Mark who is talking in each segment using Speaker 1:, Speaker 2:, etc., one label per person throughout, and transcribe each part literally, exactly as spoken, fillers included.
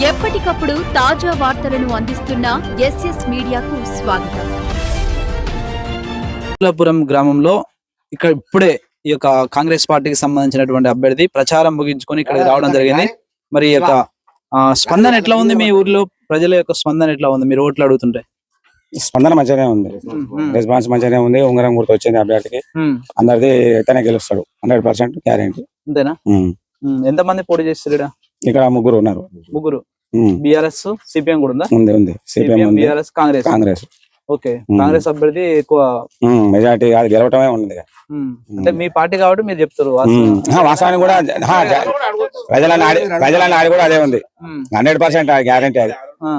Speaker 1: ఎప్పటికప్పుడు తాజా వార్తలను అందిస్తున్న ఎస్ఎస్ మీడియాకు స్వాగతం.
Speaker 2: పురం గ్రామంలో ఇక్కడ ఇప్పుడే ఈ యొక్క కాంగ్రెస్ పార్టీకి సంబంధించినటువంటి అభ్యర్థి ప్రచారం ముగించుకొని ఇక్కడికి రావడం జరిగింది. మరి ఈ యొక్క స్పందన ఎట్లా ఉంది? మీ ఊర్లో ప్రజల యొక్క స్పందన ఎట్లా ఉంది? మీరు ఓట్లు అడుగుతుంటే
Speaker 3: స్పందన మంచిగానే ఉంది, రెస్పాన్స్ మంచిగానే ఉంది. ఉంగరం గుర్తు వచ్చింది అభ్యర్థికి, అందరిది అయితేనే గెలుస్తాడు, హండ్రెడ్ పర్సెంట్ గ్యారెంటీ.
Speaker 2: అంతేనా? ఎంత మంది పోటీ చేస్తారు?
Speaker 3: ఇక్కడ ముగ్గురు ఉన్నారు.
Speaker 2: ముగ్గురు బీఆర్ఎస్ సిపిఎం కూడా ఉందా?
Speaker 3: ఉంది ఉంది సిపిఎం,
Speaker 2: బీఆర్ఎస్, కాంగ్రెస్.
Speaker 3: కాంగ్రెస్
Speaker 2: ఓకే, కాంగ్రెస్ అభ్యర్థి ఎక్కువ
Speaker 3: మెజార్టీ అది గెలవటమే ఉంది.
Speaker 2: అంటే మీ పార్టీ కాబట్టి మీరు చెప్తారు.
Speaker 3: వాస్తవానికి కూడా ప్రజల నాడి ప్రజల నాడి కూడా అదే ఉంది, హండ్రెడ్ పర్సెంట్ గ్యారెంటీ అది.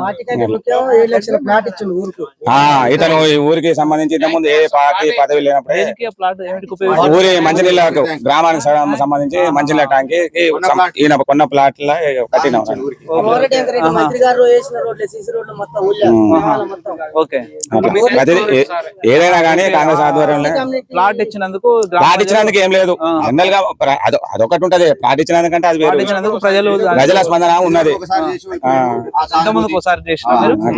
Speaker 3: ఇతను ఈ ఊరికి సంబంధించి ఇంత ముందు ఏ పార్టీ పదవి లేనప్పుడు ఊరి మంచినీళ్ళ గ్రామానికి సంబంధించి మంచినీళ్ళ ట్యాంక్ ఈయన కొన్న ప్లాట్ లా కట్టిన. ఏదైనా కానీ కాంగ్రెస్ ఆధ్వర్యంలో
Speaker 2: ప్లాట్ ఇచ్చినందుకు
Speaker 3: ప్లాట్ ఇచ్చినందుకు ఏం లేదు, జనరల్ గా అదొకటి ఉంటది. ప్లాట్ ఇచ్చినందుకంటే అది వేరు, ప్రజలు ప్రజల స్పందన ఉన్నది.
Speaker 2: ఒకసారి చేసిన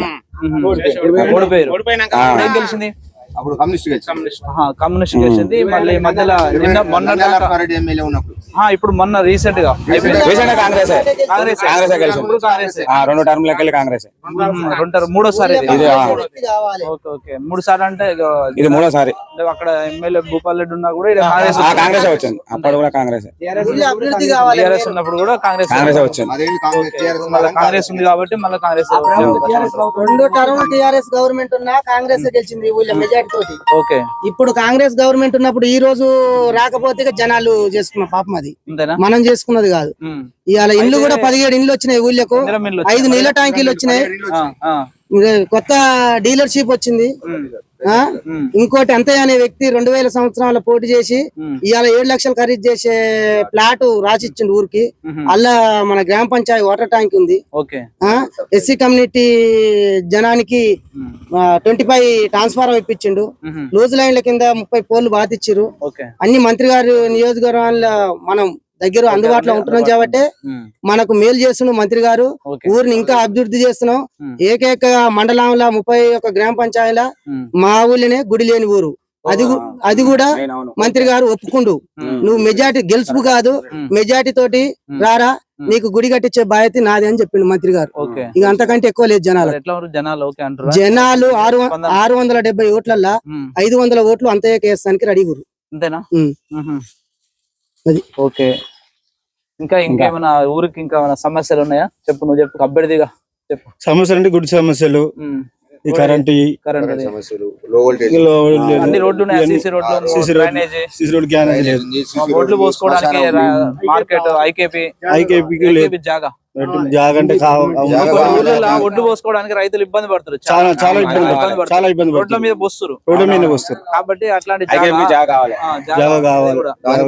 Speaker 2: తెలిసింది
Speaker 4: అప్పుడు కమ్యూనిస్ట్
Speaker 2: కమ్యూనిస్ట్ గెలిచింది. మళ్ళీ మధ్యలో నిన్న మొన్న ఇప్పుడు మొన్న రీసెంట్ గా
Speaker 3: కాంగ్రెస్ కాంగ్రెస్ కాంగ్రెస్ రెండు టర్మ్ లెక్కలు కాంగ్రెస్
Speaker 2: రెండు మూడోసారి మూడు సార్లు అంటే
Speaker 3: ఇది మూడోసారి.
Speaker 2: అక్కడ ఎమ్మెల్యే భూపాల్ రెడ్డి ఉన్నా కూడా కాంగ్రెస్
Speaker 3: కాంగ్రెస్ వచ్చింది, అప్పుడు కూడా కాంగ్రెస్.
Speaker 2: టీఆర్ఎస్ ఉన్నప్పుడు కూడా కాంగ్రెస్
Speaker 3: కాంగ్రెస్ వచ్చింది.
Speaker 2: మళ్ళీ కాంగ్రెస్ ఉంది కాబట్టి మళ్ళీ కాంగ్రెస్
Speaker 5: రెండు టర్మ్ టీఆర్ఎస్ గవర్నమెంట్ ఉన్నా కాంగ్రెస్ గెలిచింది మెజార్టీ తోటి.
Speaker 2: ఓకే,
Speaker 5: ఇప్పుడు కాంగ్రెస్ గవర్నమెంట్ ఉన్నప్పుడు ఈ రోజు రాకపోతే జనాలు చేసుకున్న పాపం, అది మనం చేసుకున్నది కాదు. ఇవాళ ఇల్లు కూడా పదిహేడు ఇండ్లు వచ్చినాయి ఊళ్ళకు, ఐదు నీళ్ళ ట్యాంకీలు వచ్చినాయి, కొత్త డీలర్షిప్ వచ్చింది. ఇంకోటి అంతయ్య అనే వ్యక్తి రెండు వేల సంవత్సరాల పోటీ చేసి ఇవాళ ఏడు లక్షలు ఖరీదు చేసే ప్లాట్ రాసిచ్చిండు ఊరికి. అలా మన గ్రామ పంచాయతీ వాటర్ ట్యాంక్ ఉంది. ఎస్సీ కమ్యూనిటీ జనానికి ట్వంటీ ఫైవ్ ట్రాన్స్ఫార్మర్ ఇప్పించిండు. లూజ్ లైన్ల కింద ముప్పై పోల్లు బాతిచ్చిరు. అన్ని మంత్రి గారు నియోజకవర్గాల మనం దగ్గర అందుబాటులో ఉంటున్నాం కాబట్టి మనకు మేలు చేస్తున్నాం మంత్రి గారు. ఊరిని ఇంకా అభివృద్ధి చేస్తున్నాం. ఏకైక మండలంలో ముప్పై ఒక్క గ్రామ పంచాయతీల మా ఊళ్ళనే గుడి లేని ఊరు. అది అది కూడా మంత్రి గారు ఒప్పుకుండు. నువ్వు మెజార్టీ గెలుపు కాదు, మెజార్టీ తోటి రారా, నీకు గుడి కట్టించే బాధ్యత నాది అని చెప్పిండు మంత్రి గారు. ఇక అంతకంటే ఎక్కువ లేదు జనాలు. జనాలు ఆరు ఆరు వందల డెబ్బై ఓట్లల్లా ఐదు వందల ఓట్లు అంతయ్యకి వేస్తానికి రెడీ గురు.
Speaker 2: ఓకే, ఇంకా ఇంకేమైనా ఊరికి ఇంకా సమస్యలు ఉన్నాయా? చెప్పు, నువ్వు చెప్పు అభ్యర్థిగా చెప్పు.
Speaker 6: సమస్యలు అంటే గుడి సమస్యలు, ఈ కరెంట్
Speaker 2: రోడ్లు పోసుకోవడానికి మార్కెట్ ఐకేపీ ఐకేపీ జాగా
Speaker 6: జాగంటే
Speaker 2: ఒడ్డు పోసుకోవడానికి రైతులు ఇబ్బంది పడుతున్నారు,
Speaker 6: చాలా చాలా ఇబ్బంది చాలా ఇబ్బంది
Speaker 2: రోడ్ల మీద పోస్తారు
Speaker 6: రోడ్ల మీద పోస్తారు
Speaker 2: కాబట్టి అట్లాంటి
Speaker 6: జాగా కావాలి,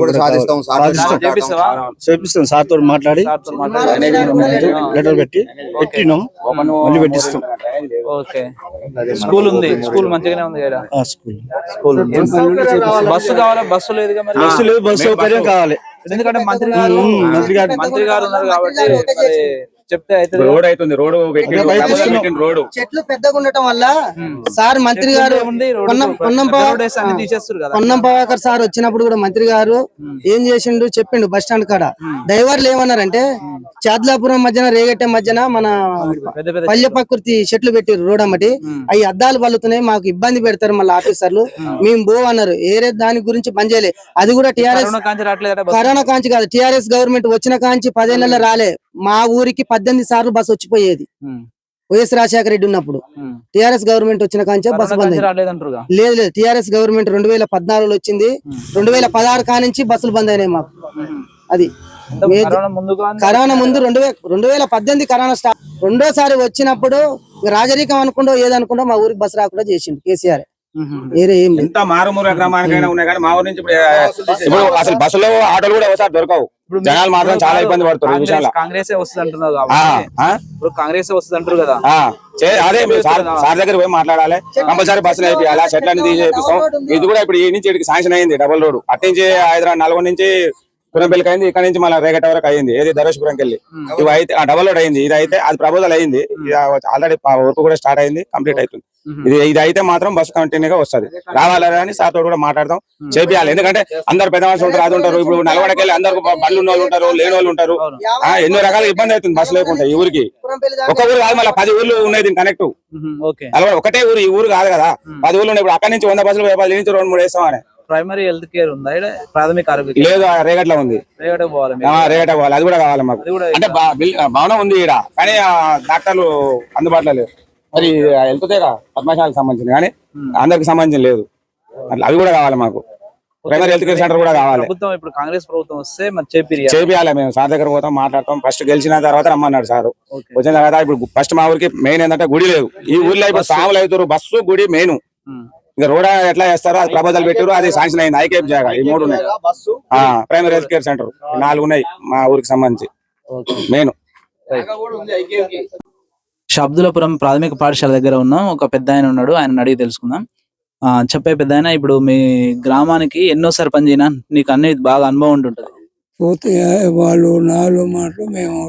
Speaker 6: చేపిస్తాం. సార్ తోటి మాట్లాడి లెటర్ పెట్టి పెట్టినాం, మళ్ళీ పెట్టిస్తాం.
Speaker 2: ఓకే, స్కూల్ ఉంది, స్కూల్ మంచిగానే ఉంది కదా? స్కూల్ స్కూల్ బస్సు కావాలా? బస్సు లేదు,
Speaker 6: బస్సు లేదు, బస్సు సౌకర్యం కావాలి.
Speaker 2: ఎందుకంటే మంత్రి గారు మంత్రి గారు మంత్రి గారు ఉన్నారు కాబట్టి చెప్తే అయితే
Speaker 3: రోడ్ అవుతుంది. రోడ్ రోడ్
Speaker 5: చెట్లు పెద్దగా ఉండటం వల్ల సార్ మంత్రి గారు పొన్నం ప్రభాకర్ సార్ వచ్చినప్పుడు కూడా మంత్రి గారు ఏం చేసిండు చెప్పిండు. బస్ స్టాండ్ కాడ డ్రైవర్లు ఏమన్నారంటే చాద్లాపురం మధ్యన రేగట్టే మధ్యన మన పల్లె ప్రకృతి చెట్లు పెట్టారు రోడ్ అమ్మటి, అవి అద్దాలు పలుతున్నాయి, మాకు ఇబ్బంది పెడతారు మళ్ళీ ఆఫీసర్లు, మేము బో అన్నారు. ఏరే దాని గురించి పని చేయలే. అది కూడా టిఆర్ఎస్ కరోనా కాంచి కాదు, టిఆర్ఎస్ గవర్నమెంట్ వచ్చిన కాంచి పదేళ్లలో రాలే. మా ఊరికి పద్దెనిమిది సార్లు బస్సు వచ్చిపోయేది వైఎస్ రాజశేఖర రెడ్డి ఉన్నప్పుడు. టిఆర్ఎస్ గవర్నమెంట్ వచ్చిన కాంచే బస్సు బంద్ లేదు లేదు టిఆర్ఎస్ గవర్నమెంట్ రెండు వేల పద్నాలుగులో వచ్చింది, రెండు వేల పదహారు కానించి బస్సులు బంద్ అయినాయి మాకు. అది కరోనా ముందు రెండు వేల రెండు వేల పద్దెనిమిది కరోనా స్టార్ట్. రెండోసారి వచ్చినప్పుడు రాజరీకం అనుకుంటో ఏదనుకుంటో మా ఊరికి బస్సు రాకుండా చేసిండు కేసీఆర్.
Speaker 3: ఎంత మారుమూల గ్రామానికైనా ఉన్నాయి కానీ మా ఊరి నుంచి ఇప్పుడు అసలు బస్సులో ఆటోలు కూడా ఒకసారి దొరకవు. జనాలు మాత్రం చాలా ఇబ్బంది పడుతున్నారు.
Speaker 2: కాంగ్రెస్ వస్తుంది అంటున్నారు ఇప్పుడు కాంగ్రెస్ వస్తుంది అంటారు కదా,
Speaker 3: అదే సార్ దగ్గర పోయి మాట్లాడాలి. కంపల్సరీ బస్సులు వేయాలి, చెట్లన్నీ తీసి చేపిస్తాం. ఇది కూడా ఇప్పుడు ఈ నుంచి శాంక్షన్ అయింది డబుల్ రోడ్. అటు నుంచి హైదరాబాద్ నల్గొండ నుంచి పురంపల్లికి అయింది, ఇక్కడ నుంచి మళ్ళీ రేగట వరకు అయింది, ఏది ధరేశ్వరంకి వెళ్ళి ఇవి అయితే ఆ డబల్ రోడ్ అయింది. ఇది అయితే అది ప్రపోజల్ అయింది, ఆల్రెడీ వర్క్ కూడా స్టార్ట్ అయింది, కంప్లీట్ అవుతుంది. ఇది ఇది అయితే మాత్రం బస్సు కంటిన్యూగా వస్తుంది. రావాలని అని సార్ తోడు కూడా మాట్లాడదాం, చేపియాలి. ఎందుకంటే అందరు పెద్ద మనుషులు ఉంటారు, అది ఉంటారు. ఇప్పుడు నల్గొండకి వెళ్ళి అందరు బండ్లు ఉన్న వాళ్ళు ఉంటారు, లేని వాళ్ళు ఉంటారు. ఆ, ఎన్నో రకాల ఇబ్బంది అవుతుంది బస్సు లేకుండా. ఈ ఊరికి ఒక ఊరు కాదు, మళ్ళీ పది ఊర్లు ఉన్నాయి దీనికి కనెక్ట్. నల్గొండ ఒకటే ఊరు, ఈ ఊరు కాదు కదా, పది ఊర్లు ఉన్నాయి. ఇప్పుడు అక్కడి నుంచి వంద బస్సులు పది నుంచి రెండు మూడు వేస్తామని.
Speaker 2: ప్రైమరీ హెల్త్ కేర్ ఉందా ఈడ? ప్రాథమిక ఆరోగ్య
Speaker 3: లేదు, రేగట్లో ఉంది.
Speaker 2: రేగట పోవాలి,
Speaker 3: రేగట పోవాలి, అది కూడా కావాలి మాకు. అంటే బా- బిల్- భవనం ఉంది ఈడ, కానీ ఆ డాక్టర్లు అందుబాటులో లేవు. మరి వెళ్తుందేగా పద్మశాలకు సంబంధించింది, కానీ అందరికి సంబంధించి లేదు. అట్లా అవి కూడా కావాలి మాకు. ప్రైమరీ హెల్త్ కేర్ సెంటర్ కూడా కావాలి.
Speaker 2: ప్రభుత్వం ఇప్పుడు కాంగ్రెస్ ప్రభుత్వం వస్తే మరి చేపిరి
Speaker 3: చేపియాలి. మేము సార్ దగ్గర పోతాం, మాట్లాడతాం. ఫస్ట్ గెలిచిన తర్వాత రమ్మన్నాడు సారు. వచ్చిన తర్వాత ఇప్పుడు ఫస్ట్ మా ఊరికి మెయిన్ ఏంటంటే గుడి లేదు. ఈ ఊర్లో ఇప్పుడు సాములు అవుతారు, బస్సు గుడి మెయిన్. ఇంకా రోడ్ ఎట్లా చేస్తారో అది ప్రపోజల్ పెట్టారు, అది శాంక్షన్ అయింది. ఐకేప్ జాగా ఈ మూడు ఉన్నాయి. ప్రైమరీ హెల్త్ కేర్ సెంటర్ నాలుగు ఉన్నాయి మా ఊరికి సంబంధించి మెయిన్.
Speaker 2: షబ్దులపురం ప్రాథమిక పాఠశాల దగ్గర ఉన్నాం. ఒక పెద్ద ఆయన ఉన్నాడు, ఆయన అడిగి తెలుసుకుందాం. ఆ చెప్పే పెద్ద ఆయన, ఇప్పుడు మీ గ్రామానికి ఎన్నో సర్పంచ్ అయినా నీకు అన్ని బాగా అనుభవం ఉంటుంటది.
Speaker 4: పోతే వాళ్ళు నాలుగు మాటలు మేము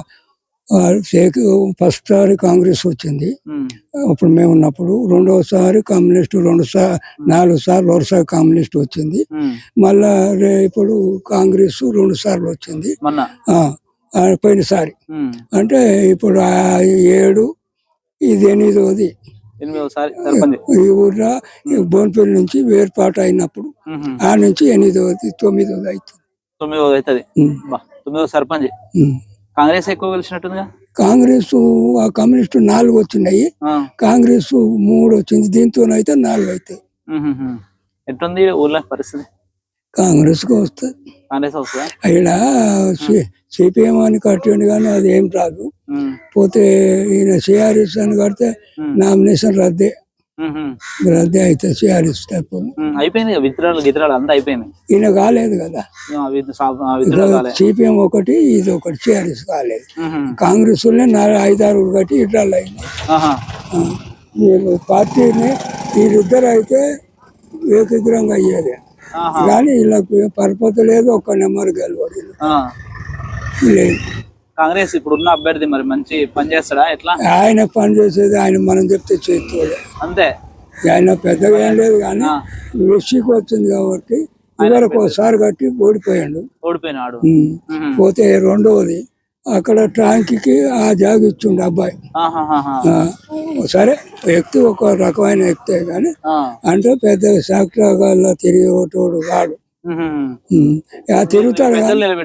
Speaker 4: ఫస్ట్ సారి కాంగ్రెస్ వచ్చింది అప్పుడు మేము ఉన్నప్పుడు, రెండోసారి కమ్యూనిస్ట్, రెండు సార్ నాలుగు సార్లు వరుసగా కమ్యూనిస్ట్ వచ్చింది. మళ్ళా ఇప్పుడు కాంగ్రెస్ రెండు సార్లు వచ్చింది పోయినసారి. అంటే ఇప్పుడు ఏడు ఇది ఎనిమిదోది ఈ ఊర్లో బోన్పల్లి నుంచి వేర్పాటు అయినప్పుడు ఆ నుంచి ఎనిమిదోది తొమ్మిదోది అవుతుంది.
Speaker 2: తొమ్మిదోది అవుతుంది. తొమ్మిదో సర్పంచ్ కాంగ్రెస్ ఎక్కువ గెలిచినట్టుందిగా.
Speaker 4: కాంగ్రెస్ ఆ కమ్యూనిస్ట్ నాలుగు వచ్చినాయి, కాంగ్రెస్ మూడు వచ్చింది, దీంతో అయితే నాలుగు అవుతాయి.
Speaker 2: ఎట్లుంది ఊర్లో పరిస్థితి?
Speaker 4: కాంగ్రెస్ కు వస్తుంది.
Speaker 2: కాంగ్రెస్ వస్తుందా?
Speaker 4: ఇలా సిపిఎం అని కట్టండి కానీ అది ఏం రాదు. పోతే ఈయన సిఆర్ఎస్ అని కడితే నామినేషన్ రద్దే రద్దే అయితే సిఆర్ఎస్
Speaker 2: అయిపోయింది. విత్రాలు గిత్రాలు అంతా అయిపోయింది.
Speaker 4: ఈయన కాలేదు కదా, సిపిఎం ఒకటి ఇది ఒకటి, సిఆర్ఎస్ కాలేదు. కాంగ్రెస్ నాలుగు ఐదారు కట్టి ఇట్రాలు అయినాయి. వీళ్ళు పార్టీని వీళ్ళిద్దరు అయితే ఏకగ్రంగా అయ్యేది, కానీ వీళ్ళకి పరపతి లేదు, ఒక్క నెంబర్ గెలవడు లేదు.
Speaker 2: కాంగ్రెస్ ఇప్పుడు ఉన్న అభ్యర్థి మరి మంచి పని చేస్తాడా? ఎట్లా
Speaker 4: ఆయన పని చేసేది ఆయన మనం చెప్తే చేస్తాడు
Speaker 2: అంతే.
Speaker 4: ఆయన పెద్దగా ఏం లేదు, కానీ మెస్సీకి వచ్చింది కాబట్టి ఇవరకు ఒకసారి కట్టి ఓడిపోయాడు
Speaker 2: ఓడిపోయినాడు.
Speaker 4: పోతే రెండవది అక్కడ ట్యాంక్ ఆ జాగ ఇచ్చిండు అబ్బాయి. సరే వ్యక్తి ఒక రకమైన వ్యక్తే కానీ అంటే పెద్ద సాక్షిగా తిరిగేటోడు కాడు. తిరుగుతాడు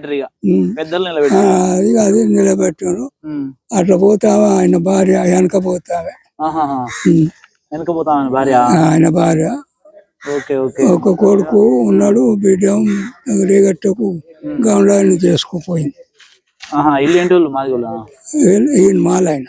Speaker 4: అది అది నిలబెట్టాను. అట్లా పోతావా ఆయన భార్య వెనక పోతావే ఆయన భార్య. ఒక కొడుకు ఉన్నాడు, బిడ్డ రేగట్టకు గౌండాన్ని చేసుకుపోయింది. ఈయన మాలాయన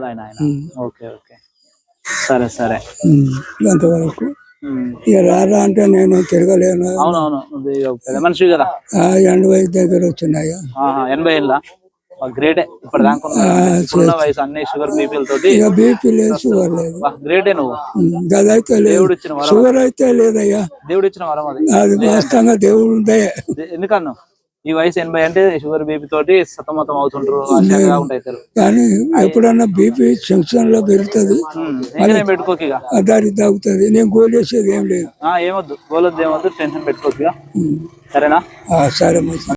Speaker 2: సరే సరే
Speaker 4: అంతవరకు. ఇక రారా అంటే నేను తిరగలేను,
Speaker 2: మనిషి కదా.
Speaker 4: ఎనభై దగ్గర వచ్చినాయా?
Speaker 2: ఎనభై ఏళ్ళ గ్రేటే. ఇప్పుడు వయసు అన్ని షుగర్ బీపీల తోటి
Speaker 4: ఇక బీపీ లేదు, షుగర్ లేదు.
Speaker 2: గ్రేటే నువ్వు.
Speaker 4: గదైతే లేదు, షుగర్ అయితే లేదయ్యా.
Speaker 2: దేవుడు ఇచ్చిన వరం అది.
Speaker 4: అది వాస్తవంగా దేవుడు ఉందే.
Speaker 2: ఎందుకన్నా ఈ వయసు ఎనభై అంటే షుగర్ బీపీ తోటి సతమతం అవుతుంటారు, ఉంటాయి.
Speaker 4: కానీ ఎప్పుడన్నా బీపీ జంక్షన్ లో పెరుగుతుంది,
Speaker 2: పెట్టుకోక
Speaker 4: దానికి తాగుతుంది. నేను గోలేసేది ఏం లేదు.
Speaker 2: ఏమొద్దు, గోలొద్దు, ఏమొద్దు, టెన్షన్ పెట్టుకోక. సరేనా?
Speaker 4: సరే.